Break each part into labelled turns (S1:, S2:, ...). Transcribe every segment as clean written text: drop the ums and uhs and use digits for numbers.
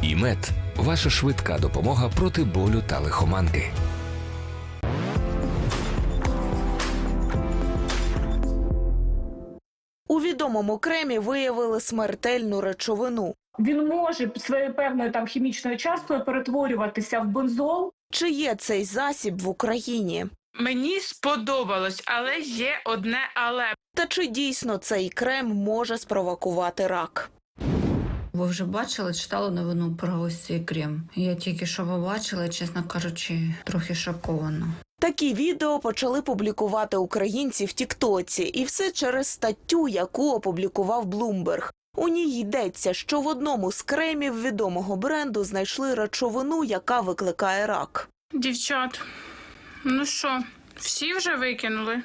S1: ІМЕД – ваша швидка допомога проти болю та лихоманки.
S2: У відомому кремі виявили смертельну речовину.
S3: Він може своєю певною хімічною часткою перетворюватися в бензол.
S2: Чи є цей засіб в Україні?
S4: Мені сподобалось, але є одне але.
S2: Та чи дійсно цей крем може спровокувати рак?
S5: Ви вже бачили, читали новину про ось цей крем? Я тільки що побачила, чесно кажучи, трохи шокована.
S2: Такі відео почали публікувати українці в Тіктоці. І все через статтю, яку опублікував Bloomberg. У ній йдеться, що в одному з кремів відомого бренду знайшли речовину, яка викликає рак.
S4: Дівчат, ну що, всі вже викинули?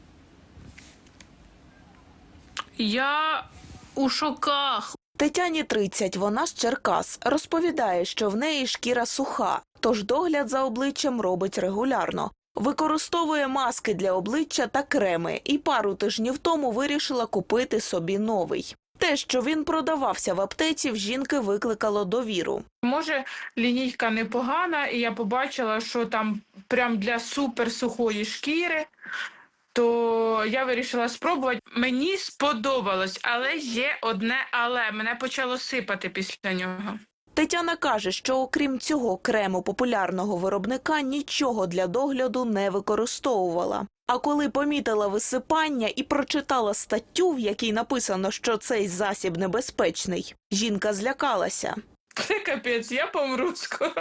S4: Я у шоках.
S2: Тетяні 30, вона з Черкас. Розповідає, що в неї шкіра суха, тож догляд за обличчям робить регулярно. Використовує маски для обличчя та креми і пару тижнів тому вирішила купити собі новий. Те, що він продавався в аптеці, в жінки викликало довіру.
S4: Може, лінійка непогана, і я побачила, що там прям для суперсухої шкіри, то я вирішила спробувати. Мені сподобалось, але є одне але. Мене почало сипати після нього.
S2: Тетяна каже, що окрім цього крему популярного виробника нічого для догляду не використовувала. А коли помітила висипання і прочитала статтю, в якій написано, що цей засіб небезпечний, жінка злякалася.
S4: Це капець, я помру скоро.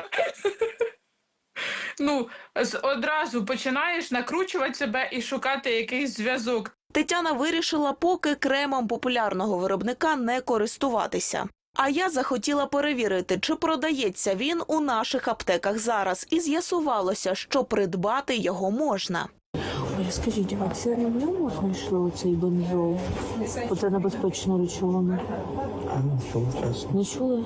S4: Одразу починаєш накручувати себе і шукати якийсь зв'язок.
S2: Тетяна вирішила поки кремом популярного виробника не користуватися. А я захотіла перевірити, чи продається він у наших аптеках зараз, і з'ясувалося, що придбати його можна.
S6: Ой, скажіть, а це не в ньому знайшли оцей бензол? Оце небезпечну речовину? Не чули?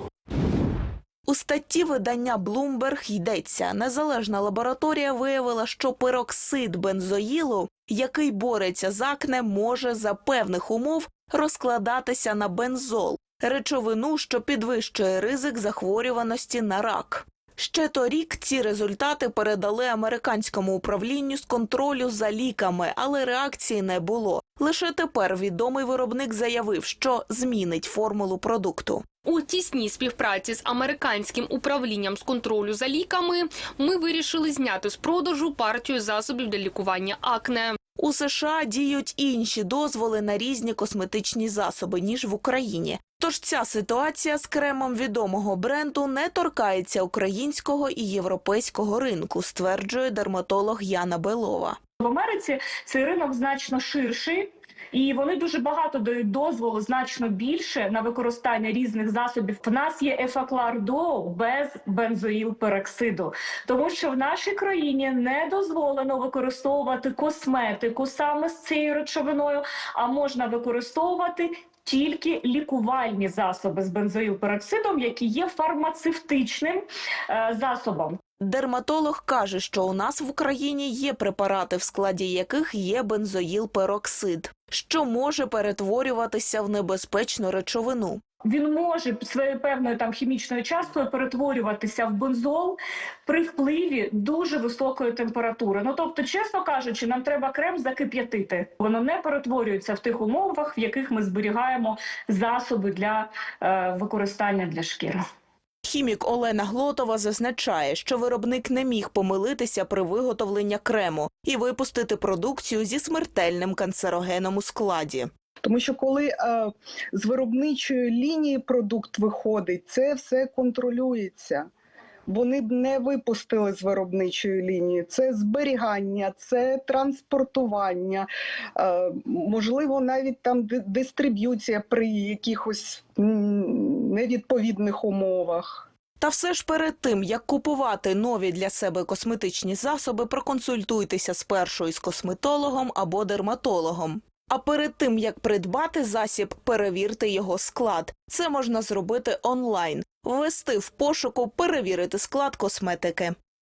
S2: У статті видання Bloomberg йдеться, незалежна лабораторія виявила, що пероксид бензоїлу, який бореться з акне, може за певних умов розкладатися на бензол – речовину, що підвищує ризик захворюваності на рак. Ще торік ці результати передали американському управлінню з контролю за ліками, але реакції не було. Лише тепер відомий виробник заявив, що змінить формулу продукту.
S7: У тісній співпраці з американським управлінням з контролю за ліками ми вирішили зняти з продажу партію засобів для лікування акне.
S2: У США діють інші дозволи на різні косметичні засоби, ніж в Україні. Тож ця ситуація з кремом відомого бренду не торкається українського і європейського ринку, стверджує дерматолог Яна Белова.
S3: В Америці цей ринок значно ширший. І вони дуже багато дають дозволу, значно більше, на використання різних засобів. В нас є ефаклардол без бензоїлпероксиду. Тому що в нашій країні не дозволено використовувати косметику саме з цією речовиною, а можна використовувати тільки лікувальні засоби з бензоїлпероксидом, які є фармацевтичним засобом.
S2: Дерматолог каже, що у нас в Україні є препарати, в складі яких є бензоїлпероксид, що може перетворюватися в небезпечну речовину.
S3: Він може своєю певною хімічною часткою перетворюватися в бензол при впливі дуже високої температури. Тобто, чесно кажучи, нам треба крем закип'ятити. Воно не перетворюється в тих умовах, в яких ми зберігаємо засоби для використання для шкіри.
S2: Хімік Олена Глотова зазначає, що виробник не міг помилитися при виготовленні крему і випустити продукцію зі смертельним канцерогеном у складі.
S8: Тому що коли з виробничої лінії продукт виходить, це все контролюється. Вони б не випустили з виробничої лінії. Це зберігання, це транспортування, можливо, навіть там дистриб'юція при якихось невідповідних умовах.
S2: Та все ж перед тим, як купувати нові для себе косметичні засоби, проконсультуйтеся спершу із косметологом або дерматологом. А перед тим, як придбати засіб, перевірте його склад. Це можна зробити онлайн. Ввести в пошуку «Перевірити склад косметики».